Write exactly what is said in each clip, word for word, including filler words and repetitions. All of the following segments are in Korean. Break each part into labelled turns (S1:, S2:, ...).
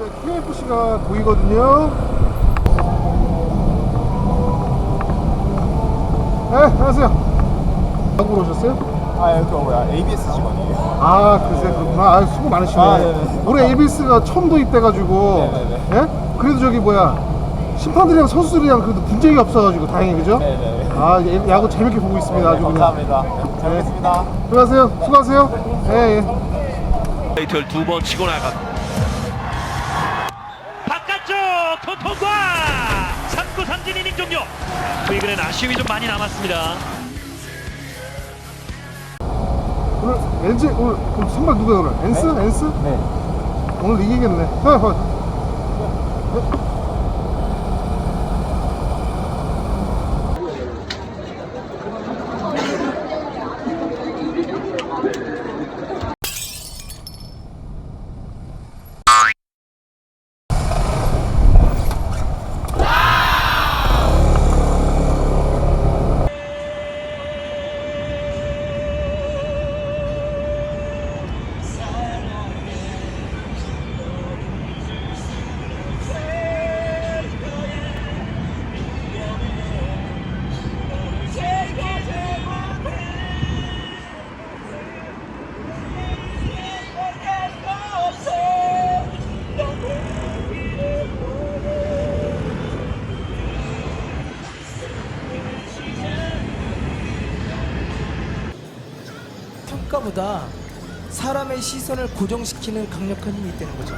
S1: 케이에프씨가 보이거든요. 네, 안녕하세요. 한국으로 오셨어요?
S2: 아, 그 뭐야, 에이비에스 직원이에요.
S1: 아, 글쎄 그렇구나. 아, 수고 많으시네.
S2: 아, 네네.
S1: 올해 에이비에스가 처음 도입돼가지고,
S2: 네네네.
S1: 예? 그래도 저기 뭐야, 심판들이랑 선수들이랑 그래도 분쟁이 없어가지고 다행히, 그죠?
S2: 네네.
S1: 아, 예, 야구 재밌게 보고 있습니다. 아주 그냥.
S2: 감사합니다. 잘 뵙겠습니다.
S1: 수고하세요. 수고하세요. 예, 예.
S3: 페이트를 두 번 치고 나가 바깥쪽 토통과 삼 구 삼진 이닝 종료. 최근엔 아쉬움이 좀 많이 남았습니다.
S1: 오늘 엔지 오늘 그럼 선발 누구야 오늘? 엔스?
S2: 네?
S1: 엔스?
S2: 네.
S1: 오늘 이기겠네. 어, 어.
S4: 평가보다 사람의 시선을 고정시키는 강력한 힘이 있다는 거죠.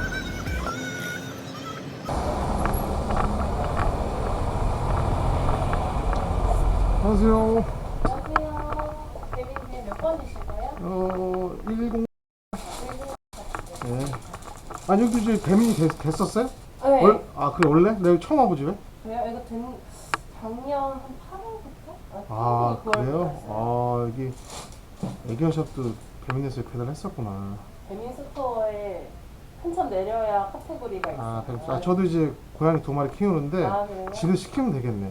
S1: 안녕하세요.
S5: 안녕하세요. 대리님 몇 번이실까요?
S1: 어, 일공. 네. 아니 여기 이제 배민이 됐, 됐었어요?
S5: 네.
S1: 월, 아, 그래 원래? 내가 처음 와보지 왜?
S5: 그래요? 이거 된 작년 한 팔월부터?
S1: 아, 그래요? 아, 여기 애견샵도 배민에서 배달했었구나.
S5: 배민 스토어에 한참 내려야 카테고리가 있어요.
S1: 아, 그럼 아, 저도 이제 고양이 두 마리 키우는데
S5: 아, 그래요?
S1: 지도 시키면 되겠네.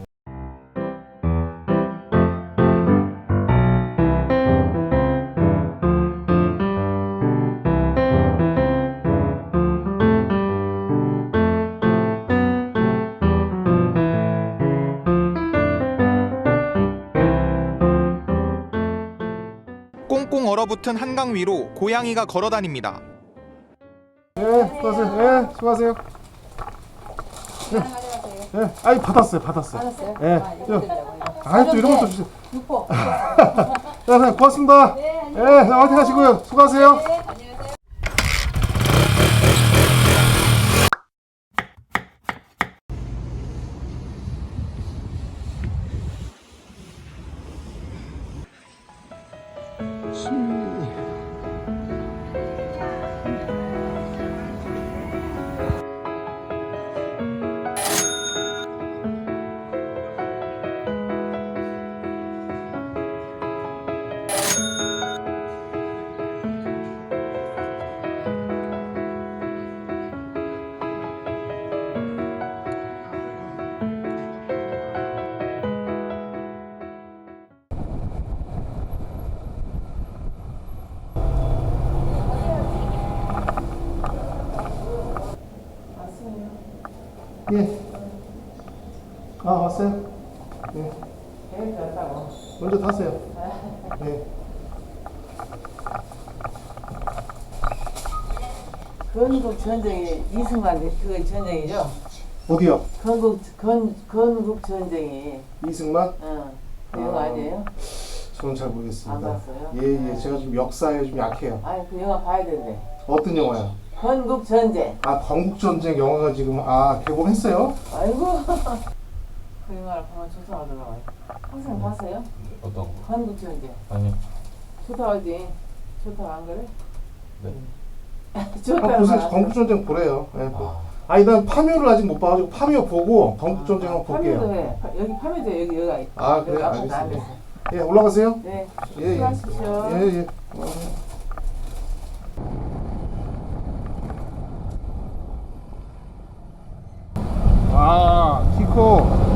S6: 꽁꽁 얼어붙은 한강 위로 고양이가 걸어다닙니다.
S1: 예, 수고하세요. 예, 수고하세요. 예, 예, 아이 받았어요, 받았어요.
S5: 받았어요?
S1: 예,
S5: 아, 이거 드리려고 이거.
S1: 아이 또 이런 것도 주세요.
S5: 육포.
S1: 네, 네, 고맙습니다.
S5: 네,
S1: 예, 화이팅 하시고요. 수고하세요.
S5: 네, 안녕하세요.
S1: 예. 아, 왔어요? 예.
S5: 계획 왔다고.
S1: 먼저 타세요. 예.
S7: 건국 전쟁이 이승만 그 전쟁이죠?
S1: 어디요?
S7: 건국 건 건국 전쟁이
S1: 이승만?
S7: 어 그거
S1: 아.
S7: 아니에요?
S1: 저는 잘 모르겠습니다.
S7: 안 봤어요?
S1: 예, 예. 제가 좀 역사에 좀 약해요.
S7: 아니 그 영화 봐야 된대.
S1: 어떤 영화요?
S7: 건국 전쟁.
S1: 아, 건국전쟁 영화가 지금, 아, 개봉했어요?
S7: 아이고 그 영화를 보면 조사하더라고요. 항상 봤어요?
S2: 어떤 거?
S7: 건국 전쟁.
S2: 아니요.
S7: 좋다하지. 좋다 안 그래?
S2: 네.
S1: 아,
S7: 좋다.
S1: 무슨 건국전쟁 보래요. 예. 그-
S2: 아,
S1: 아니, 난 파묘를 아직 못 봐가지고 파묘 보고 건국전쟁 한번
S7: 파묘도
S1: 볼게요.
S7: 해. 파- 여기 파묘도 여기 여기가 있.
S1: 아, 그래요?
S7: 여기 아무것도 안
S1: 알겠습니다.
S7: 됐어.
S1: 예, 올라가세요.
S7: 네.
S1: 예, 예.
S7: 수고하십시오.
S1: 예, 예. 올라가세요. 아, 키코.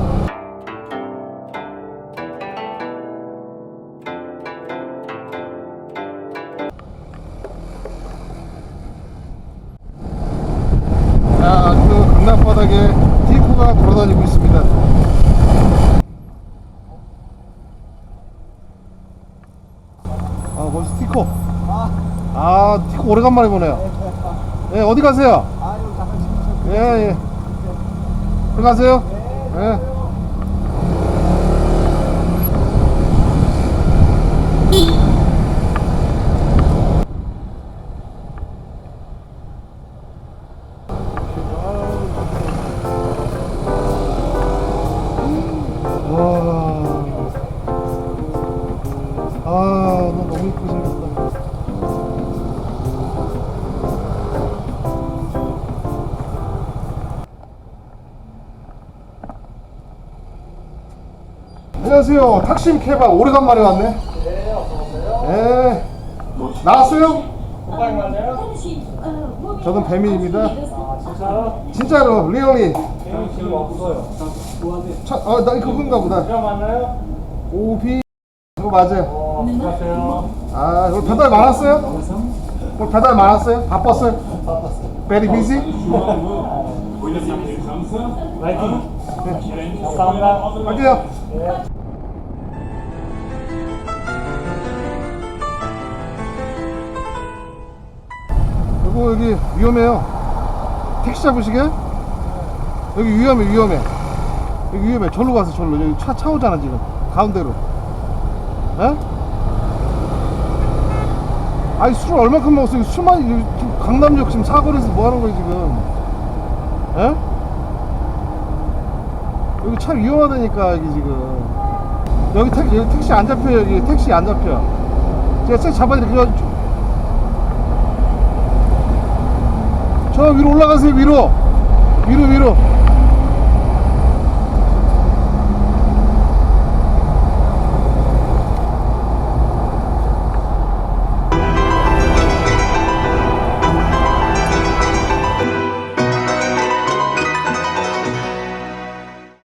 S1: 자, 안전하게 티코가 돌아다니고 있습니다. 아, 벌써 티코. 아, 티코 오래간만에 보네요. 예, 어디 가세요? 예, 예. 들어가세요. 예. 와. 아, 너 너무 이쁘게 생겼다. 안녕하세요. 탁심 케밥 오래간만에 왔네. 네, 어서오세요. 네. 나왔어요? 저는 배민입니다. 아, 진짜요? 진짜로, 리얼리. 배민 지금 없어요. 차, 아, 나 그건가 보다. 저 맞나요? 오비. 그거 맞아요. 어, 안녕하세요. 아, 오늘 배달 많았어요? 오늘 배달 많았어요? 바빴어요? 바빴어요. Very busy? 화이팅. 네. 감사합니다. 갈게요. 네. 여보, 여기 위험해요. 택시 잡으시게? 여기 위험해, 위험해. 여기 위험해. 절로 가서 절로. 여기 차, 차 오잖아, 지금. 가운데로. 에? 아니, 술을 얼마큼 먹었어? 술만, 지금 강남역 지금 사거리에서 뭐 하는 거야, 지금? 에? 여기 차 위험하다니까, 여기 지금. 여기 택, 여기 택시 안 잡혀요, 여기. 택시 안 잡혀. 제가 택시 잡아드릴게요. 저 위로 올라가세요. 위로 위로 위로